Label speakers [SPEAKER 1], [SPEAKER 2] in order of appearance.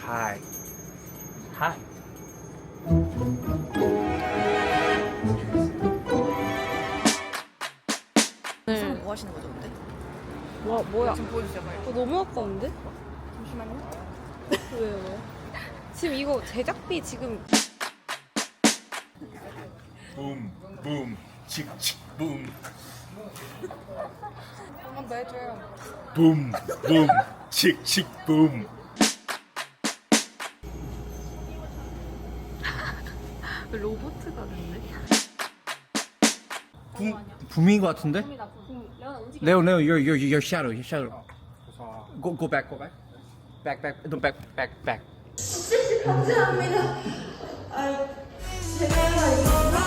[SPEAKER 1] Hi. Hi.
[SPEAKER 2] 오늘 뭐 하시는 거죠, 근데?
[SPEAKER 3] 뭐야?
[SPEAKER 2] 지금 보여주세요, 빨리.
[SPEAKER 3] 너무 아까운데?
[SPEAKER 2] 잠시만요.
[SPEAKER 3] 왜? 지금 이거 제작비 지금
[SPEAKER 1] 붐, 붐, 칙칙, 붐.
[SPEAKER 2] 한 번 더 해줘요.
[SPEAKER 1] 붐, 붐, 칙칙, 붐.
[SPEAKER 3] 로봇 같은데?
[SPEAKER 4] 붐인 것 같은데? 레오, your shadow, your shadow. Go back, go back. No, back.
[SPEAKER 5] 감사합니다. 아, 제가 이거